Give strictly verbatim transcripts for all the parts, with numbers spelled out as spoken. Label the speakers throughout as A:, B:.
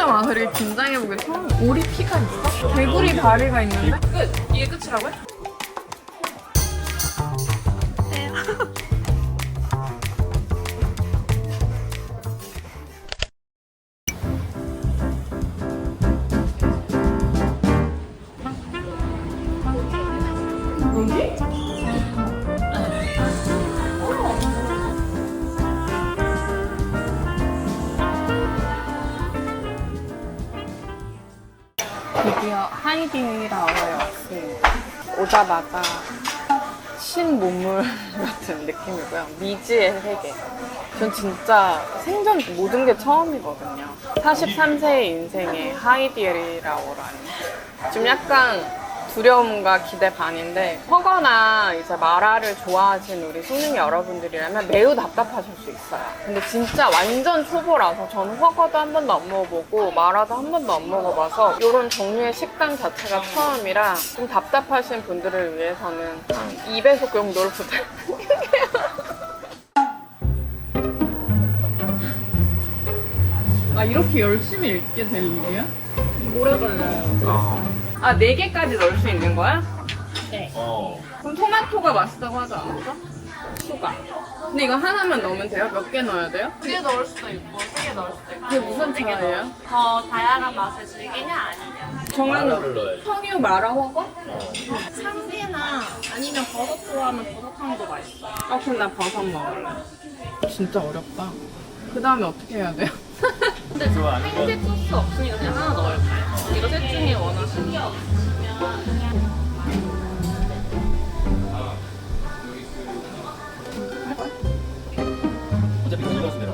A: 진짜 와서 이렇게 긴장해보게 처음. 오리 피가 있어? 개구리 다리가 있는데? 끝! 이게 끝이라고요? 드디어 하이디라워에 왔습니다. 오자마자 신문물 같은 느낌이고요. 미지의 세계. 전 진짜 생전 모든 게 처음이거든요. 사십삼 세의 인생에 하이디라워라니. 좀 약간 두려움과 기대 반인데, 허거나 이제 마라를 좋아하시는 우리 손님 여러분들이라면 매우 답답하실 수 있어요. 근데 진짜 완전 초보라서 저는 허거도 한 번도 안 먹어보고 마라도 한 번도 안 먹어봐서 이런 종류의 식당 자체가 처음이라 좀 답답하신 분들을 위해서는 한 이 배속 정도를 부탁드릴게요. 아, 이렇게 열심히 읽게 될 일이야? 오래 걸려요.
B: 어.
A: 아, 네 개까지 넣을 수 있는 거야?
C: 네.
B: 어.
A: 그럼 토마토가 맛있다고 하지 않았어? 추가. 근데 이거 하나만 넣으면 돼요? 몇 개 넣어야 돼요?
C: 두 개 넣을 수도 있고 세 개 넣을 수도 있고.
A: 그게 무슨 차이예요?
C: 더 다양한 맛을 즐기냐 아니냐.
A: 정한
B: 마라를 넣어야지.
A: 청유 마라 허거?
C: 참기나 아니면 버섯 좋아하면 버섯향도 맛있어.
A: 아, 그럼 나 버섯 먹을래. 진짜 어렵다. 그 다음에 어떻게 해야 돼요?
C: 근데 생제 소스 없으니까 그냥 하나 넣을까요? 이거 셋 중에 원하시는 거.
B: 어차피 이거 주세요.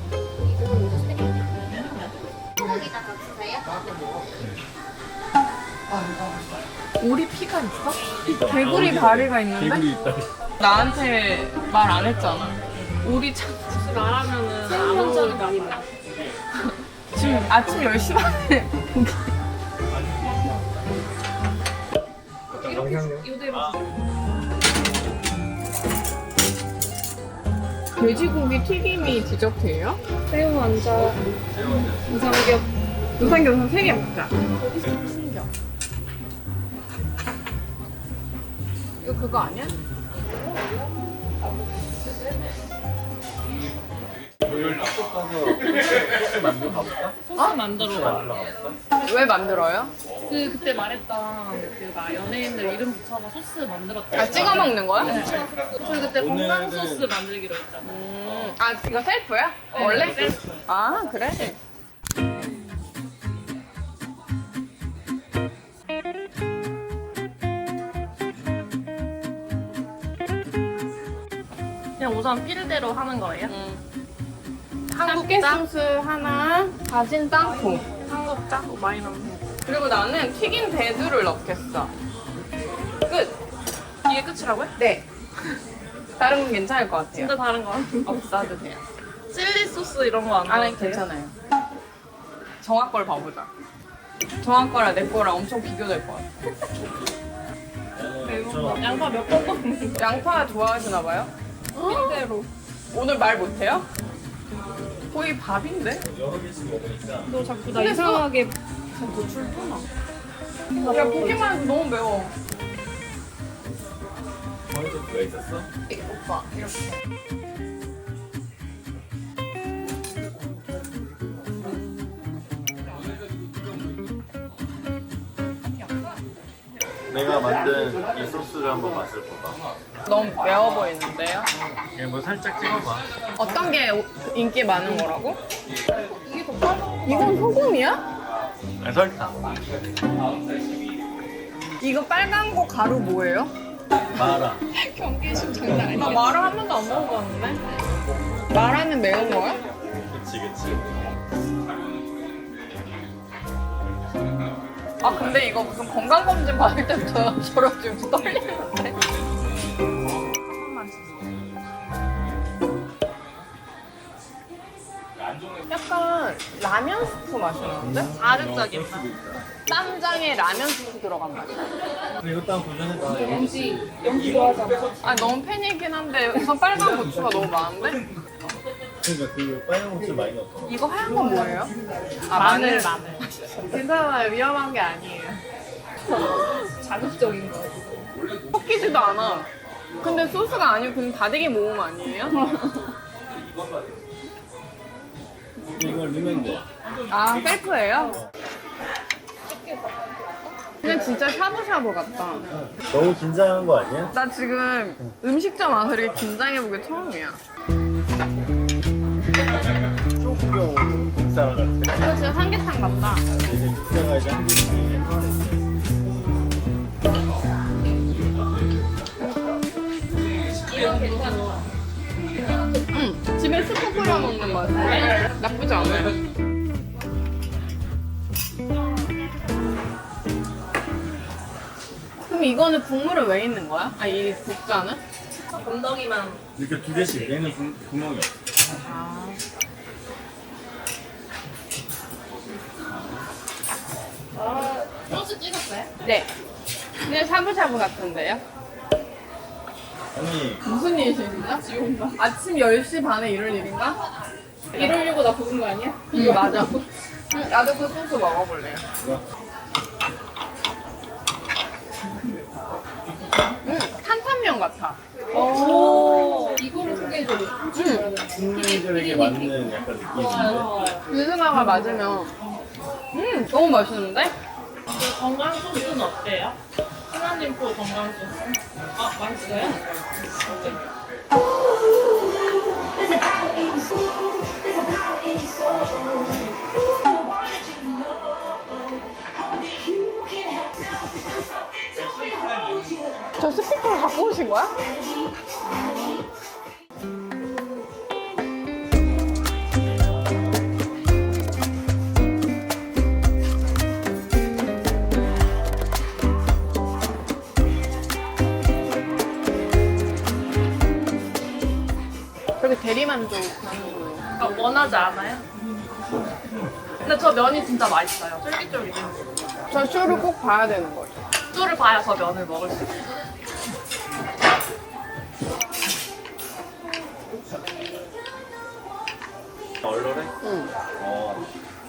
A: 오리 피가 있어? 개구리 다리가 있는데?
B: 개구리 있다.
A: 나한테 말 안 했잖아. 오리 참.
C: 말하면은 아무 많이 먹어.
A: 지금 아침 열 시 반에 고기.
C: 이대로
A: 돼지고기 튀김이 디저트예요?
C: 새우 완자.
A: 우삼겹. 우삼겹 세 개 먹자. 신겨. 이거 그거 아니야?
B: 소스 만들어 가볼까?
C: 소스 만들어.
B: 만들어 가볼까?
A: 왜 만들어요?
C: 그 그때 말했던 그 막 연예인들 이름 붙여서 소스 만들었다.
A: 아, 찍어 먹는 거야?
C: 저희 그때 건강
B: 오늘은-
C: 소스 만들기로 했잖아.
A: 음, 아, 이거 셀프야?
C: 네,
A: 원래?
C: 셀프.
A: 아, 그래?
C: 그냥 우선 필대로 하는 거예요?
A: 음. 한국계 소스 하나, 다진 땅콩.
C: 한국 짜고 많이 넣는 거.
A: 그리고 나는 튀긴 대두를 넣겠어. 끝.
C: 이게 끝이라고요?
A: 네. 다른 건 괜찮을 것 같아요.
C: 진짜 다른 거 같은데.
A: 없어도 돼요.
C: 칠리 소스 이런 거 안
A: 아니,
C: 넣어도 돼요?
A: 괜찮아요. 정아 걸 봐보자. 정아 거랑 내 거랑 엄청 비교될 것 같아.
B: 저
C: 양파 몇 번 먹는 거?
A: 양파 좋아하시나 봐요?
C: 필대로.
A: 오늘 말 못해요? 거의 밥인데?
B: 여러 개씩 먹으니까
C: 너 자꾸 나
A: 근데
C: 이상하게
A: 고출 푸나? 야, 보기만 해도 너무 매워.
B: 거기서 왜 있었어?
A: 오빠, 이렇게.
B: 내가 만든 이 소스를 한번 맛을 봐봐.
A: 너무 매워 보이는데요?
B: 그냥 뭐 살짝 찍어봐.
A: 어떤 게 오- 인기 많은 거라고? 이건 소금이야?
B: 아, 설탕.
A: 이거 빨간 거 가루 뭐예요?
B: 마라.
A: 경계심 장난 아니야. 나 마라 한 번도 안 먹어봤는데? 마라는 매운 거야?
B: 그치 그치.
A: 아, 근데 이거 무슨 건강검진 받을 때부터 지금 떨리는데? 약간 라면 스프 맛이 나는데?
C: 자극적인 맛.
A: 쌈장에 라면 스프 들어간 맛이야.
B: 근데 이것도 한번 도전해봐.
C: 연지, 연지 좋아하잖아.
A: 아, 너무 팬이긴 한데 우선 빨간 고추가 너무 많은데?
B: 그러니까 그 빨간 고추 많이 넣었어.
A: 이거 하얀 건 뭐예요? 아,
C: 마늘 마늘.
A: 괜찮아요. 위험한 게 아니에요.
C: 자극적인 거.
A: 섞이지도 않아. 근데 소스가 아니고 그냥 다대기 모음 아니에요?
B: 이거 르멘데.
A: 아, 셀프예요? 그냥 진짜 샤브샤브 같다.
B: 너무 긴장한 거 아니야?
A: 나 지금 음식점 와서 이렇게 긴장해본 게 처음이야.
B: 조금 빅사랑 같아.
A: 이거 진짜 삼계탕 같다.
B: 이제 빅사가 이제 한 개씩.
C: 이거 괜찮아.
A: 응, 집에 스프 끓여 먹는 맛. 나쁘지 않아요. 그럼 이거는 국물은 왜 있는 거야? 아, 이 국자는?
C: 건더기만.
B: 이렇게 두 개씩. 얘는 구, 구멍이 없어.
A: 아.
C: 아, 소스 찍었어요?
A: 네. 그냥 샤브샤브 같은데요?
B: 아니
A: 무슨 일이신가? 지금가? 아침 열 시 반에 이럴 일인가?
C: 이러려고 나 부른 거 아니야?
A: 응, 맞아. 응, 나도 그 소스 먹어볼래요.
B: 이거
A: 응, 탄탄면 같아.
C: 오. 이거를 소개해줘.
A: 응.
B: 국민들에게 맞는 약간 느낌인데.
A: 유승아가 맞으면 음, 너무 맛있는데?
C: 그 건강 소스는 어때요? 하나님 표 건강 소스. 아, 맛있어요?
A: 저 스피커를 갖고 오신 거야? 저기 대리만족 하는
C: 아, 원하지 않아요? 근데 저 면이 진짜 맛있어요. 쫄깃쫄깃해.
A: 저 쇼를 꼭 봐야 되는 거죠.
C: 쫄을 봐야 저 면을 먹을 수 있어요.
B: 얼얼해?
A: 응.
B: 어.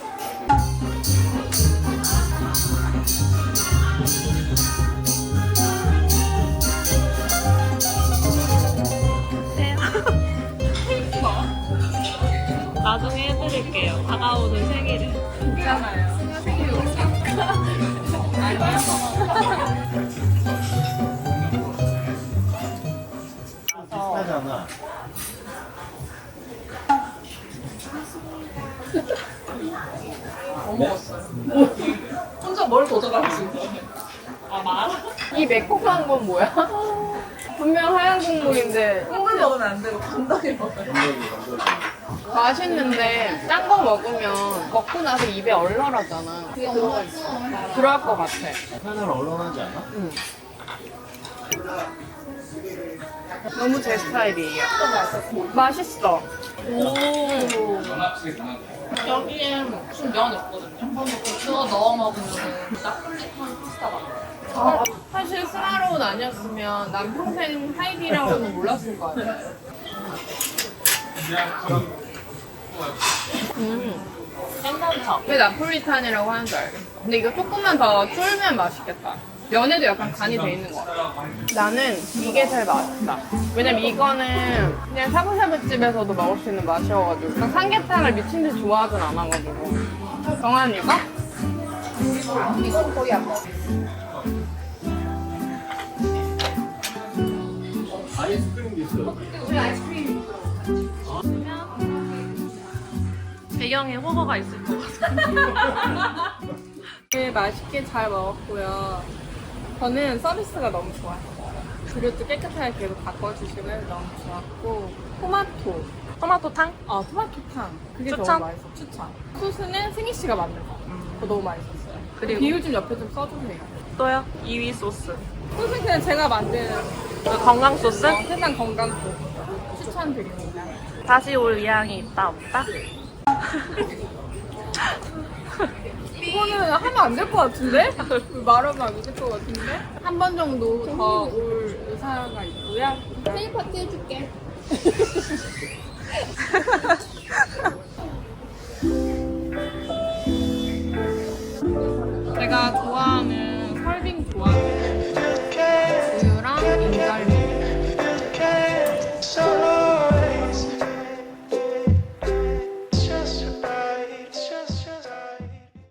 C: 나중에 해드릴게요. 다가오는 생일에.
A: 괜찮아요.
B: 비슷하잖아.
C: 혼자 뭘 도전하지? 아, 말?
A: 이 매콤한 건 뭐야? 분명 하얀 국물인데
C: 콩을 먹으면 안 되고 건더기 먹어요.
B: 건더기 건더기.
A: 맛있는데 짠 거 먹으면 먹고 나서 입에 얼얼하잖아. 그럴 것 같아.
B: 하나는 얼얼하지 않아?
A: 응. 너무 제 스타일이에요. 맛있어.
C: 오. 여기에 무슨 면 있거든요. 그거 넣어 먹으면 나폴리탄 파스타 같아요.
A: 아, 사실 스마로운 아니었으면 난 평생 하이디라고는 몰랐을 거 아니야. 음,
C: 괜찮죠?
A: 왜 나폴리탄이라고 하는 줄 알겠어. 근데 이거 조금만 더 쫄면 맛있겠다. 면에도 약간 간이 돼 있는 것 같아. 나는 이게 제일 맛있다. 왜냐면 이거는 그냥 샤브샤브 집에서도 먹을 수 있는 맛이어가지고 난 삼계탕을 미친 듯이 좋아하진 않아가지고. 정한 이거? 이건 거의 안 먹어.
B: 아이스크림도 있어.
C: 배경에 호거가 있을 것 같아요.
A: 네, 맛있게 잘 먹었고요. 저는 서비스가 너무 좋아요. 그릇도 깨끗하게 계속 바꿔주시고 해서 너무 좋았고 토마토
C: 토마토탕?
A: 어 토마토탕 그게
C: 추천?
A: 너무 맛있어. 추천. 소스는 승희 씨가 만든 거. 그거 너무 맛있었어요.
C: 그리고?
A: 비율 좀 옆에 좀 써주세요.
C: 또요? 이 위 소스.
A: 소스는 그냥 제가 만든
C: 그 건강 소스?
A: 어, 세상 건강 소스 추천드립니다.
C: 다시 올 의향이 있다 없다?
A: 이거는 하면 안 될 것 같은데? 말하면 안 될 것 같은데? 한 번 정도 더 올 의사가 있고요. 생일 파티 해줄게.